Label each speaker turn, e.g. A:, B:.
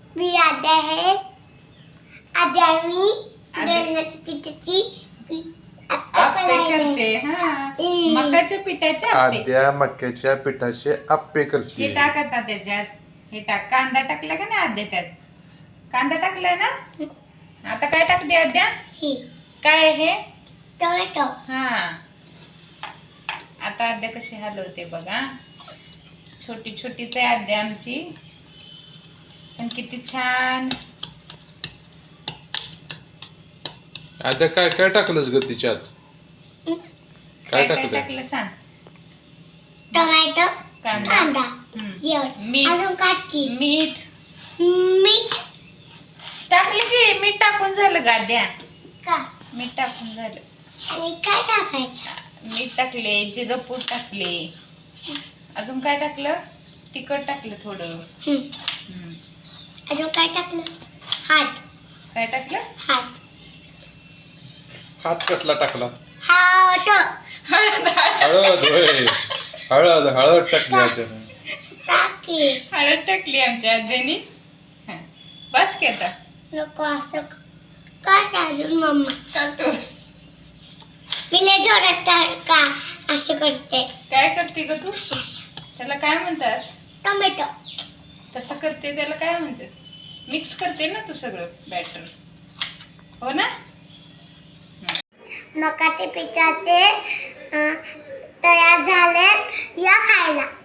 A: मी आद्या आहे. आद्या मी बेसनाच्या पिठाची
B: आप्पे करते. हा, मकाच्या पिठाचे आप्पे.
C: आद्या मक्याच्या पिठाचे आप्पे
B: हे
C: करते.
B: टाक आता त्याच्यात. हे टाक. कांदा टाकला का नाही आद्या त्यात? कांदा टाकलाय ना? आता काय टाकते आद्या?
A: ही
B: काय हे?
A: टोमॅटो.
B: हा, आता आद्या कशी हलवते बघा. छोटी छोटीच आहे आद्या आमची, पण किती छान.
C: आद्या काय काय टाकलंस ग तिच्यात?
B: काय
C: काय टाकलं?
B: टाकलं सांग.
A: टोमॅटो
B: कांदा,
A: कांदा
B: हम्म.
A: मीठ अजून काटकी
B: मीठ
A: मीठ
B: टाकलं की. मीठ टाकून झालं गाद्या.
A: का
B: मीठ टाकून झालं.
A: आणि काय टाकायचं?
B: मीठ टाकले, जिरं पूड टाकले. अजून काय टाकलं? तिखट टाकलं थोडं. हम्म.
A: अजून काय टाकलं? हात
B: काय टाकलं?
A: हात
C: हात कसला टाकला?
A: हात
B: हळद.
C: हळद होय. हळद टाकली आद्याने.
A: टाकी
B: हळद टाकली आमच्या आद्यानी. हा. बस की आता.
A: नको असं काय अजून मम्मा
B: टाकतो.
A: मी लय जोरात का असं करते.
B: काय करते ग तू? त्याला काय म्हणतात?
A: टोमॅटो
B: तसं करते त्याला काय म्हणतात? मिक्स करते ना तू सगळं बॅटर, हो ना?
A: मकाच्या पिठाचे तयार झाले या खायला.